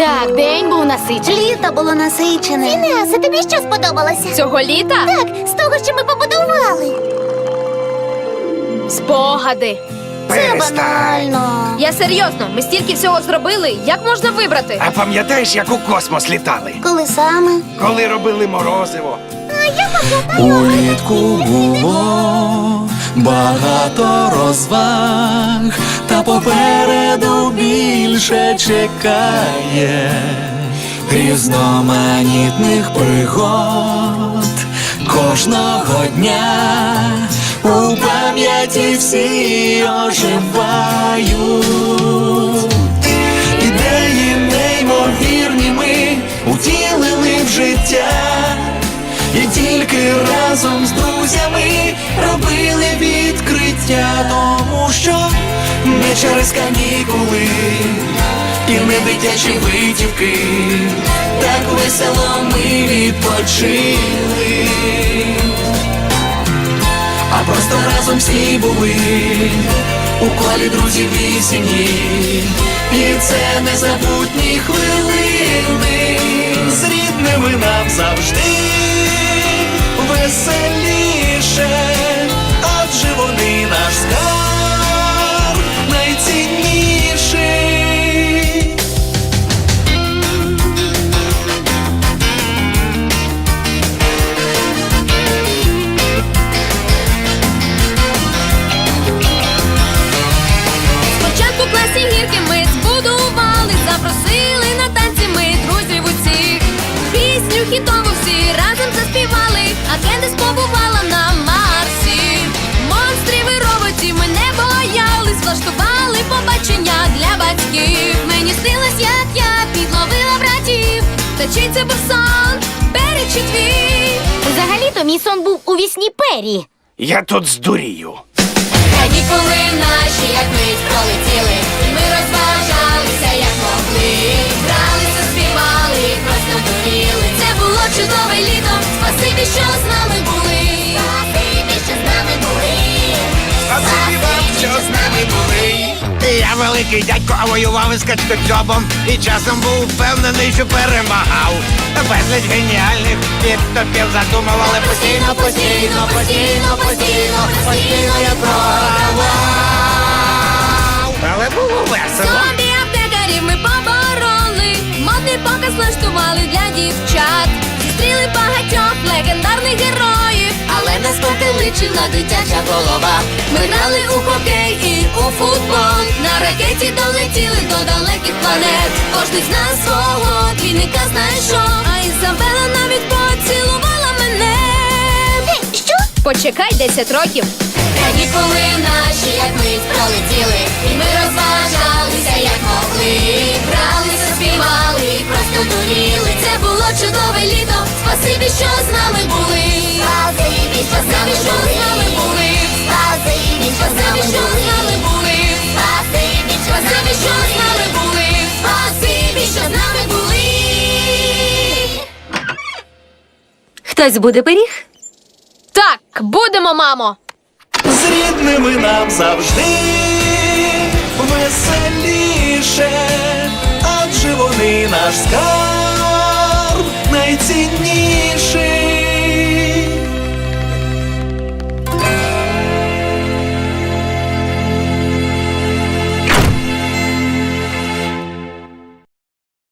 Так, день був насичений. Літо було насичене. Фінеасе, тобі що сподобалося? Цього літа? Так, з того, що ми побудували. Спогади. Це Перестань. банально. Я серйозно, ми стільки всього зробили. Як можна вибрати? А пам'ятаєш, як у космос літали? Коли саме? Коли робили морозиво? Улітку було багато розваг, та попереду більше чекає різноманітних пригод. Кожного дня у пам'яті всі оживають. Ідеї неймовірні ми утілили в життя. І тільки разом з друзями робили відкриття, тому що не через канікули і не дитячі витівки, так весело ми відпочили, а просто разом всі були у колі друзів вісені, і це незабутні хвилини з рідними нам завжди веселіше, адже вони наш скарб найцінніший. Спочатку в класі гірки ми збудували, запросили на танці ми друзів усіх. Пісню хітову всі разом заспівали, а Кендис побувала на Марсі. Монстрів і роботів ми не боялись, влаштували побачення для батьків. Мені снилось, як я підловила братів, та чий це був сон, Пері чи твій? Взагалі-то мій сон був у вісні Пері. Я тут здурію. Канікули наші, як мить пролетіли, і ми розважалися, як могли. Гралися, співали, просто дуріли. Це було чудове літо, спасибі, що з нами були. Спасибі, що з нами були. Спасибі вам, що з нами були. Я великий дядько, а воював із качкоцьобом, і часом був впевнений, що перемагав. Безліч геніальних підтопів задумували постійно, постійно, постійно, постійно, постійно я програвав. Але було весело. Зомбі аптекарів ми побороли, модний показ влаштували для дівчат. Зустріли багатьох легендарних героїв, але нас потиличила дитяча голова. Ми грали у хокей і у футбол, на ракеті долетіли до далеких планет. Кожний з нас свого двійника знайшов, а Ізабела навіть поцілувала мене. Що? Почекай 10 років. Канікули наші, як мить пролетіли, і ми розважалися, як могли. Гралися, співали, просто дуріли. Це було чудове літо, спасибі, що з нами були. Спасибі, що з нами Спасибі, що з нами були. Спасибі, що з Спасибі, що з нами були. Спасибі, Спасибі, що з нами були. Спасибі, що з нами були. Хтось буде пиріг? Так, будемо, мамо. З рідними нам завжди веселіше, адже вони наш скарб найцінніший.